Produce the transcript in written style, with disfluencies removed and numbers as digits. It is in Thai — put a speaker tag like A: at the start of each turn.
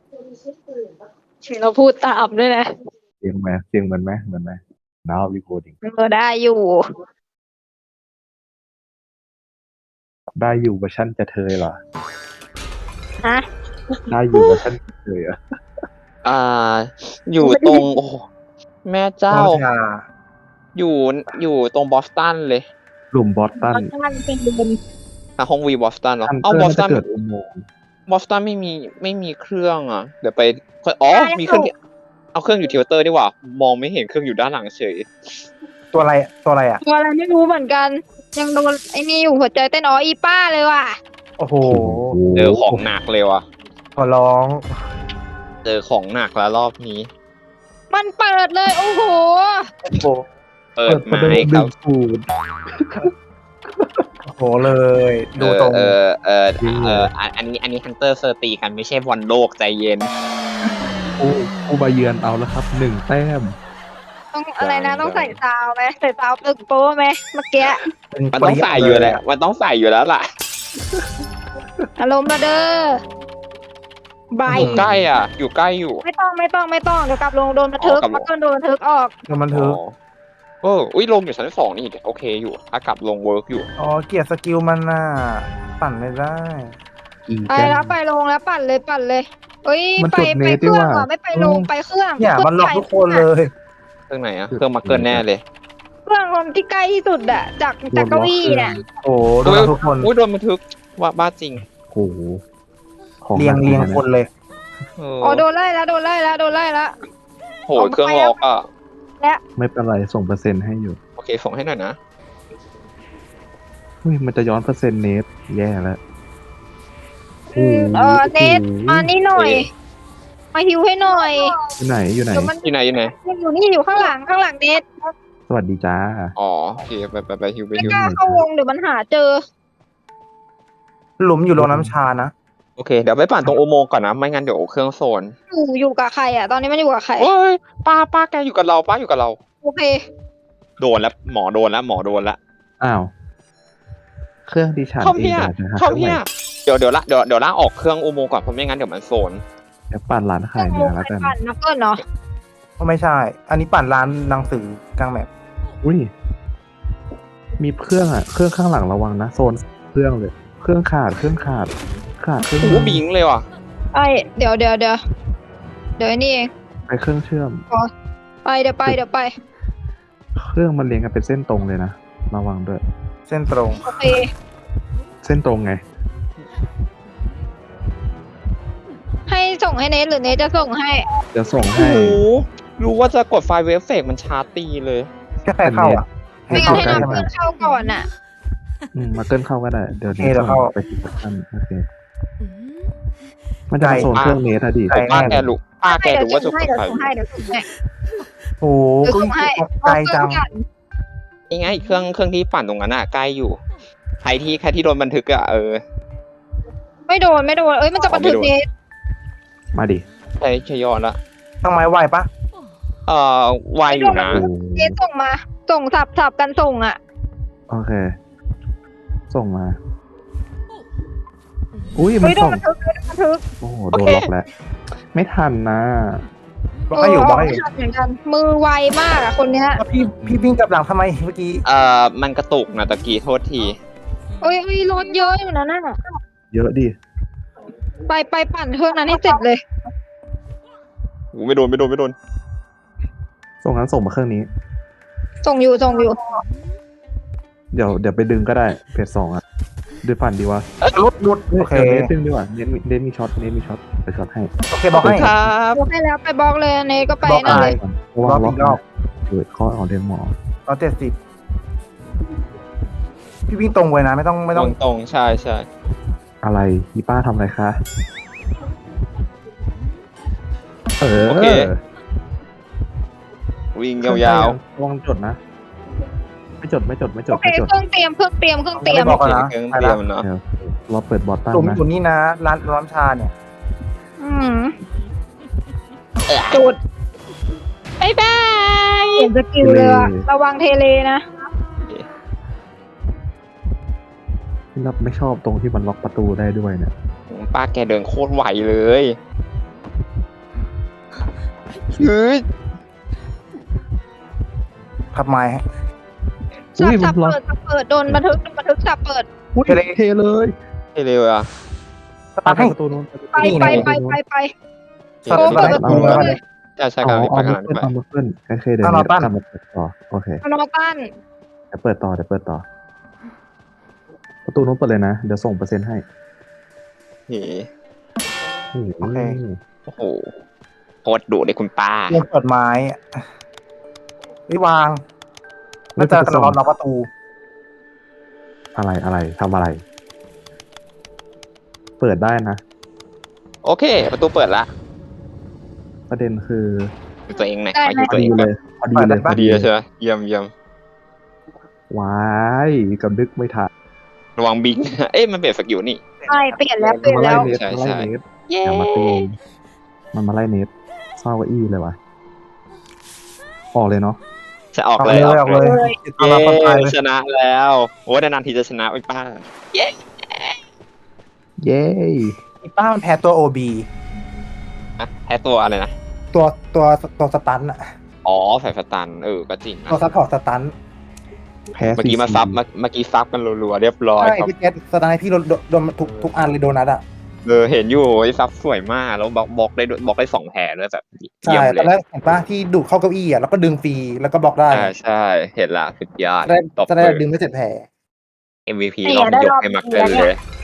A: เราพูดตามด้วยนะ
B: เสียงไหมเสียงเหมือนไหมเหมือนไหม now recording
A: ได้อยู่
B: ได้อยู่เวอร์ชันจะเทยเหรอ
A: ฮะ
B: ได้อยู่เวอร์ชันจะเทยเหรอ
C: อยู่ตรงโอ้โหแม่เจ้า
D: น้องชา
C: อยู่ตรงบอสตันเลย
B: กลุ่มบอสตัน
A: มันเป็นเดิม
C: ห้องวีบอสตันเหรอ
B: ทัน
C: เอา
B: เต
C: บ
B: อ
C: อ
B: ร์
C: สตั
B: จะ
C: น
B: เกิดอุโมงค์
C: บอสตันไม่มีเครื่องอ่ะ เดี๋ยวไปมีเครื่องเอาเครื่องอยู่ทิวเตอร์ดีกว่า มองไม่เห็นเครื่องอยู่ด้านหลังเฉย
D: ตัวอะไรอ่ะ
A: ตัวอะไรไม่รู้เหมือนกัน ยังโดนไอ้นี่อยู่หัวใจเต้นอีป้าเลยว่ะ
D: โอ้โห
C: เจอของหนักเลยว่ะ
D: ขอร้อง
C: เจอของหนักแล้วรอบนี้
A: มันเปิดเลย โอ้โห
D: โอ้โห
C: เปิด
B: ประ
C: ไม้
B: เดิม
C: ครับ
B: ฟูด
D: โอ้โหเลย ดูตรง
C: อันนี้ฮันเตอร์เซอร์ตีกันไม่ใช่บอลโลกใจเย็น
B: ผู้มาเยือนเอาแล้วครับ1 แต้ม
A: ต้องอะไรนะต้องใส่ซาวไหมใส่ซาวตึกโป้ไหมเมื่อกี้
C: มันต้องใส่อยู่แล้วมันต้องใส่อยู่แล้วล่ะ
A: อารมณ์มาเด้อใบ
C: อยู่ใกล้อ่ะ อยู่ใกล้อยู่
A: ไม่ต้องเดี๋ยวกลับลงโดนบันทึก
C: อ๋อกลับลง
A: มาเกินโดนบันทึกออก
D: แล้วมันถือ
C: อุ้ยลงอยู่ชั้น 2นี่โอเคอยู่ ถ้ากลับลงเวิร์กอยู่
D: อ๋อ เกลียดสกิลมันน่ะ ปั่นไม่ได้
B: อี
A: ไป
B: แก้
A: แล้วไปลงแล้วปั่นเลยเอ้ย
B: มัน
A: ไป
B: จดเน
A: ไป
B: ต
A: เครื่อง
B: ด้วยว่ะ
A: ว่ะไม่ไปลงไปเครื่อง
D: เนี่ย มันหลอกทุกคนเลย
C: เครื่องไหนอ่ะ เครื่องมาเกิลแน่เลย
A: เครื่องคนที่ใกล้ที่สุดอะจากเก้าอี้เนี่ย
D: โอ้โหโดนหลอกทุกคน
C: อุ้ยโดนบันทึกว่าบ้าจริง
B: โอ้โหของ
D: เรียง
B: หนัก
D: เรียง
B: นะ
D: คนเลย
A: อ๋อโดนไล่แล้ว
C: โหเครื่องล็อกอ่ะ
B: ไม่เป็นไรส่งเปอร์เซ็นต์ให้อยู่
C: โอเคส่งให้หน่อยนะ
B: อุ้ยมันจะย้อนเปอร์เซ็นต์เนทแย่แล้ว
A: เนทมานี่หน่อย มาฮิวให้หน่อย
B: อยู่ไหน
A: เดี๋ยวมัน
C: อยู่ไหน
A: อยู่นี่อยู่ข้างหลังเนท
B: สวัสดีจ้า
C: อ๋อโอเคไปฮิว
A: ไม่กล้าเข้าวงเดี๋ยวมันหาเจอ
D: หลุมอยู่โรงน้ำชานะ
C: โอเคเดี๋ยวไปปั่นตรงอุโมงค์ก่อนนะ ไม่งั้นเดี๋ยวเครื่องโซน
A: อยู่กับใครอะตอนนี้มันอยู่กับใคร
C: โอ้ยป้าแกอยู่กับเราป้าอยู่กับเรา
A: โอเค
C: โดนแล้วหมอโดนแล้ว
B: อ้าว เครื่องดิฉัน
C: เข้า
B: เอง
C: เพีย
B: นะฮะ
C: เข้าเพียเดี๋ยวล่างออกเครื่องอุโมงค์ก่อนเพราะไม่งั้นเดี๋ยวมันโซน
B: เดี๋ยวปั่นร้านขายเนื้อแล้วกัน
A: ปั่นนักเกิลเนาะ
D: ก็ไม่ใช่ อันนี้ปั่นร้านหนังสือกลางแมป
B: อุ้ย มีเครื่องอ่ะ เครื่องข้างหลังระวังนะ โซนเครื่องเลย เครื่องขาดเครื่อง
C: โอ้โหบิงเลยว่ะ
A: ไอเดี๋ยวไอ้นี่เอง
B: ไปเครื่องเชื่อม
A: ไปเดี๋ยวไป
B: เครื่องมันเรียงกันเป็นเส้นตรงเลยนะ ระวังด้วย
D: เส้นตรง
A: โอเค
B: เส้นตรงไง
A: ให้ส่งให้เนทหรือเนทจะส่งให้
B: เดี๋ยวส่ง
C: โอ้
B: ให้
C: โหรู้ว่าจะกดไฟล์เวฟเฟกมันชาร์จตีเลย
D: แค่ใครเข้าอ่ะ ให้
A: ไม่งั้
D: เข้าน
A: ให้
D: ใกล้
A: นัก
D: ใช่ไหม
A: เกิลเข้าก่อนอะ
B: มาเกินเข้าก็ได้ เดี๋ยว
D: โอเคเดี๋ยวเข้า
B: ไปที่ท่านโอเค มันจะมาโซนเครื่องเนทอะดิ
D: ไกล
C: ป้าแกรู้ว่าจะกด
A: เดี๋ยว
C: ไฟล์
A: ส่งให้เดี๋ยวส่งให้
D: โอ้โห
A: เดี๋ยว
D: ก็
A: ส่งให้
D: ไกลจัง
C: ยังไงเครื่องที่ปั่นตรงนั้นอ่ะใกล้อยู่ ใครที่โดนบันทึกอ่ะ
A: ไม่โดนเอ้ยมันจะบันทึกเนท
B: มาดิ
C: ใช่ยอดละ
D: ต้องไม้ไหวปะ
C: ไวอยู่นะ
B: โอ้
A: เนทส่งมาส่งสับกันส่งอะ
B: โอเค ส่งมา อุ้ยมัน
A: เฮ้ยโดน
B: ส่ง
A: บันทึก
B: โอ้โห โดนล็อกแล้ว ไม่ทันนะ
D: บอกให้อยู่บอกให้อยู่
A: ไม่ทันเหมือนกันมือไวมากอะคนเนี้ย
D: พี่วิ่งกลับหลังทำไมเมื่อกี้
C: มันกระตุกนะตะกี้โทษที
A: เอ้ยรถเยอะอยู่นะน่ะ
B: เยอะดิ
A: ไปปั่นเครื่องนั้นให้เสร็จเลย
C: ไม่โดน
B: ส่งนั้นส่งมาเครื่องนี้
A: ส่งอยู่
B: เดี๋ยวไปดึงก็ได้เพจ2อ่ะดึงปั่นดีวะ
D: รุดโอเค
B: เน้นดึงดีกว่าเน้นมีช็อตไปช็อตให้
D: โอเคบอกให้
C: ครับ
A: บอกให้แล้วไปบล็อกเลยเนทก็ไป
D: บล็อก
A: นั่น
D: อะไร
A: เลย
B: ระวัง
D: รอบอีกรอบ
B: เกิดข้ออ่อนเรียนหมอ
D: 170พี่วิ่งตรงไว้นะไม่ต้อง
C: ตรงใช่
B: อะไรอีป้าทำอะไรคะเออ
C: โอเค วิ่งยาว
B: ระวังจดนะ ไม่จด
A: โอเคเครื่องเตรียม
D: บอก
C: ๆ
D: ก่อนนะ
C: เครื่องเตรียมเนาะ
B: เดี๋ยวเราเปิดบอทตั้ง
D: หลุม
B: นะ
D: อยู่นี่นะร้านน้ำชาเนี่ย
A: อืมจุดบายบายเห็นสกิลเลยอะระวังเทเลนะ
B: ที่เราไม่ชอบตรงที่มันล็อกประตูได้ด้วยเนี่ย
C: ป้าแกเดินโคตรไหวเลยเฮ้ย
D: ขับไม้ฮะ
A: สับเปิดโดนบันทึกสับเปิด
B: อุ้ยเทเลย
C: เร็วอ่ะ
D: สตาร์ทให้
B: ประตูนู้น
A: ไป
D: สับ
A: โอ้
D: เปิด
A: เปิด
D: ประตูแล้วเลย
C: ใช่ใช่
B: อ๋
C: กำ
B: อ
C: ลังไป
B: เอา
C: กำลังไป
B: มือขึ้นโอเคเดี๋ยว
D: เอา
B: นี้
D: เราตั้ง
B: กลับมาเปิดต่อโอเค
A: นอตัน
B: เดี๋ยวเปิดต่อประตูนู้นเปิดเลยนะเดี๋ยวส่งเปอร์เซ็นต์ให้
C: เฮ้
B: โอเค
C: โอ้โหโคตรดุเลยคุณป้า
D: เรียนเปิดไม้ไม่วางน่าจะกระโดดล็อกประตู
B: อะไรทำอะไร เปิดได้นะ
C: โอเค ประตูเปิดละ
B: ประเด็นคือ
C: ดูตัวเองหน่อย
A: ได้
C: ขอ
A: ไหม
C: ดูตัวเองก่อน
B: พอดีเลย
C: พอดีเลยใช่ไหมเยี่ยม
B: ว้ายกับดึกไม่ทัน
C: ระวังบิง เอ๊ะมันเปลี่ยนสกิลนี่
A: ใช่เปลี่ยนแล้ว
B: มันมาไล่เนส
C: ใช่
B: มันไล่
C: ใช่
B: เนส
A: เย้
B: อย่ามาเตงมันมาไล่เนสเศร้ากับอี้เลยวะออกเลยเนาะ
C: จะออก
D: ออก
C: เล
D: เลย ย
C: อ
D: อ
C: อ
D: อก ก
C: เล
D: เลย ย
C: เย้
D: เอามาคนตายเลย
C: ชนะแล้วโอ้นานๆทีจะชนะไอ้ป้า
B: เย้
D: อีป้ามันแพ้ตัวโอบี
C: อะแพ้ตัวอะไรนะ
D: ตัวสตันอะ
C: อ๋อแฝดสตันก็จริงนะ
D: ตัวซัพพอร์ตสตัน
B: แพ้
C: เมื่อกี้มาซับเมื่อกี้ซับกันรัวๆเรียบร้อย
D: ใช่
C: ครับ
D: พี่เจษสตันให้พี่โดนทุกอันเลยโดนัทอะ
C: เห็นอยู่ไอ้ซับสวยมากแล้วบล็อกได้2แผลด้วยแบบ
D: ใช่
C: เยี่ยม
D: ต
C: เล
D: อนแร
C: ย
D: กเห็นป้าที่ดูดเข้าเก้าอี้อะแล้วก็ดึงฟรีแล้วก็บล็อกได้
C: ใช่เห็นละสุดยอด
D: จะได้
C: ตบ
D: จะได้
C: มือ
D: ดึงไม่เสร็จแผล
C: MVP รอบยกให้มักเกินเลย